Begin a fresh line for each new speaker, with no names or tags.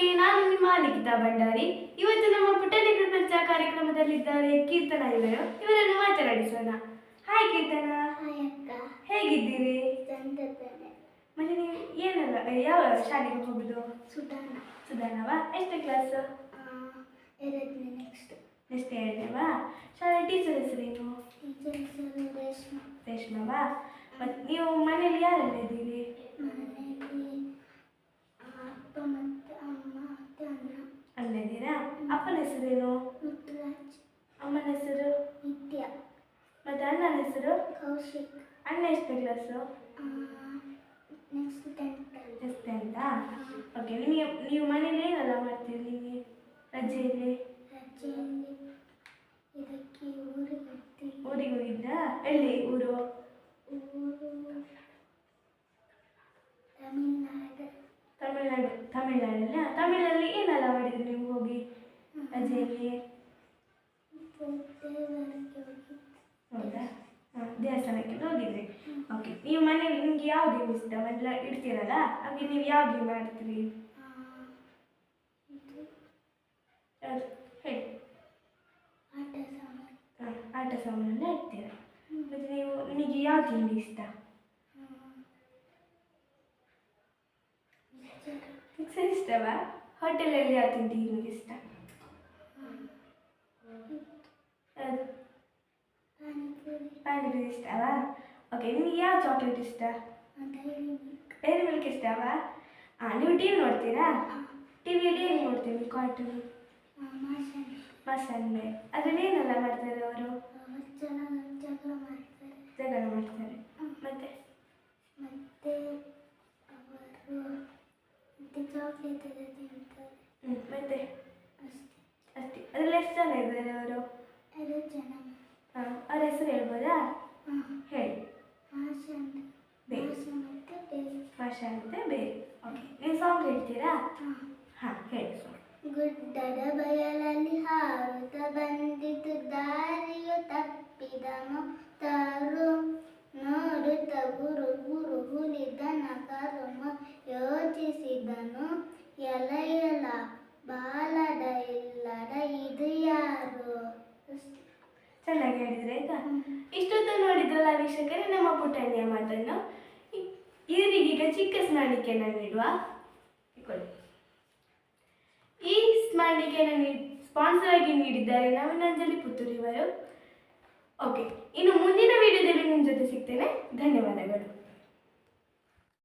ನಮಸ್ತೆ, ನಾನು ನಿಮ್ಮ ಲಿಖಿತಾ ಭಂಡಾರಿ. ಇವತ್ತು ನಮ್ಮ ಪುಟ್ಟಣಿ ಪ್ರಪಂಚ ಕಾರ್ಯಕ್ರಮದಲ್ಲಿದ್ದಾರೆ ಕೀರ್ತನ ಇವರನ್ನು ಮಾತನಾಡಿಸೋಣ. ಹಾಯ್ ಕೀರ್ತನ. ಹೇಗಿದ್ದೀರಿ? ಮತ್ತೆ ನೀವು ಏನಲ್ಲ ಯಾವ ಶಾಲೆಗೆ ಹೋಗುದು? ಸುಧಾನವಾ? ಎಷ್ಟನೇ ಕ್ಲಾಸ್? ನೆಕ್ಸ್ಟ್ ಎರಡನೇವಾ? ಶಾಲೆ ಟೀಚರ್ ಹೆಸರೇನು? ರೇಷ್ಮವಾ? ಮತ್ತು ನೀವು ಮನೆಯಲ್ಲಿ ಯಾರೆಲ್ಲ ಇದ್ದೀರಿ? ಅಣ್ಣ ಇದ್ದೀರಾ? ಅಪ್ಪನ ಹೆಸರೇನು? ಅಮ್ಮನ ಹೆಸರು? ಮತ್ತೆ ಅಣ್ಣನ ಹೆಸರು? ಅಣ್ಣ ಎಷ್ಟನೇ ಕ್ಲಾಸು? ನೆಕ್ಸ್ಟ್ ಟೆಂತಾ? ಓಕೆ. ನೀವು ಮನೇಲಿ ಏನೆಲ್ಲ ಮಾಡ್ತೀರಿ ನಿಮಗೆ ರಜೆಯಲ್ಲಿ? ಊರಿಗೆ ಹೋಗಿದ್ರಾ? ಎಲ್ಲಿ ಊರು? ತಮಿಳ್ನಾಡಲ್ಲ? ತಮಿಳಲ್ಲಿ ಏನೆಲ್ಲ ಮಾಡಿದ್ರಿ ನೀವು ಹೋಗಿ ರಜೆಯಲ್ಲಿ? ಹೌದಾ? ದೇವಸ್ಥಾನಕ್ಕೆ ಹೋಗಿದ್ರಿ. ಓಕೆ. ನೀವು ಮನೇಲಿ ನಿಮ್ಗೆ ಯಾವ ಗೇಮ್ ಇಷ್ಟ? ಎಲ್ಲ ಇಡ್ತೀರಲ್ಲ, ಹಾಗೆ ನೀವು ಯಾವ ಗೇಮ್ ಆಡ್ತೀರಿ? ಹೇಳಿ. ಆಟ ಸಾಮಾನೆಲ್ಲ ಇಡ್ತೀರ. ಮತ್ತು ನಿಮಗೆ ಯಾವ ತಿಂಡಿ ಇಷ್ಟ? ಮಿಕ್ಸರ್ ಇಷ್ಟವಾ? ಹೋಟೆಲಲ್ಲಿ ಯಾವ ತಿಂಡಿ ನಿಮಗೆ ಇಷ್ಟ? ಪಾನಿಪುರಿ ಇಷ್ಟವಾ? ಓಕೆ. ನಿಮಗೆ ಯಾವ ಚಾಕ್ಲೇಟ್ ಇಷ್ಟ? ಡೈರಿ ಮಿಲ್ಕ್ ಇಷ್ಟವಾ? ನೀವು ಟಿ ವಿ ನೋಡ್ತೀರಾ? ಟಿವಿಯಲ್ಲಿ ಏನು ನೋಡ್ತೀವಿ? ಕಾರ್ಟೂನ್? ಮಸಾಲೆ. ಅದರಲ್ಲಿ ಏನೆಲ್ಲ ಮಾಡ್ತಾರೆ ಅವರು? ಜಗಳ ಮಾಡ್ತಾರೆ. ಮತ್ತೆ ಮತ್ತೆ ಅಷ್ಟೇ. ಅದರಲ್ಲಿ ಎಷ್ಟು ಜನ ಇದ್ದಾರೆ ಅವರು? ಅವ್ರ ಹೆಸರು ಹೇಳ್ಬೋದಾ? ಹೇಳಿ. ಭಾಷಾ ಅಂತ ಬೇರೆ. ಓಕೆ. ನೀವು ಸಾಂಗ್ ಹೇಳ್ತೀರಾ? ಹಾಂ, ಹೇಳಿ ಸಾಂಗ್.
ಗುಡ್ಡದ ಬಯಲಲ್ಲಿ ಹಾರುತ್ತ ಬಂದಿತು ದಾರಿಯು ತಪ್ಪಿದ ಮೊತ್ತರು ನೋಡುತ್ತ ಗುರು ಗುರು ಹುಲಿದನ ಕರುಮ ಯೋಚಿಸಿದನು ಎಲ ಬಾಲದ ಇಲ್ಲದ ಇದು ಯಾರು?
ಚೆನ್ನಾಗಿ ಹೇಳಿದ್ರೆ ಆಯ್ತಾ? ಇಷ್ಟೊತ್ತು ನೋಡಿದ್ರಲ್ಲ ವೀಕ್ಷಕರೇ ನಮ್ಮ ಪುಟ್ಟಣ್ಣಿಯ ಮಾತನ್ನು. ಇವರಿಗೀಗ ಚಿಕ್ಕ ಸ್ಮರಣಿಕೆಯನ್ನು ನೀಡುವ. ಈ ಸ್ಮರಣಿಕೆಯನ್ನು ಸ್ಪಾನ್ಸರ್ ಆಗಿ ನೀಡಿದ್ದಾರೆ ನವೀನಾಂಜಲಿ ಪುತ್ತೂರು ಇವರು. ಓಕೆ. ಇನ್ನು ಮುಂದಿನ ವಿಡಿಯೋದಲ್ಲಿ ನಿಮ್ಮ ಜೊತೆ ಸಿಗ್ತೇನೆ. ಧನ್ಯವಾದಗಳು.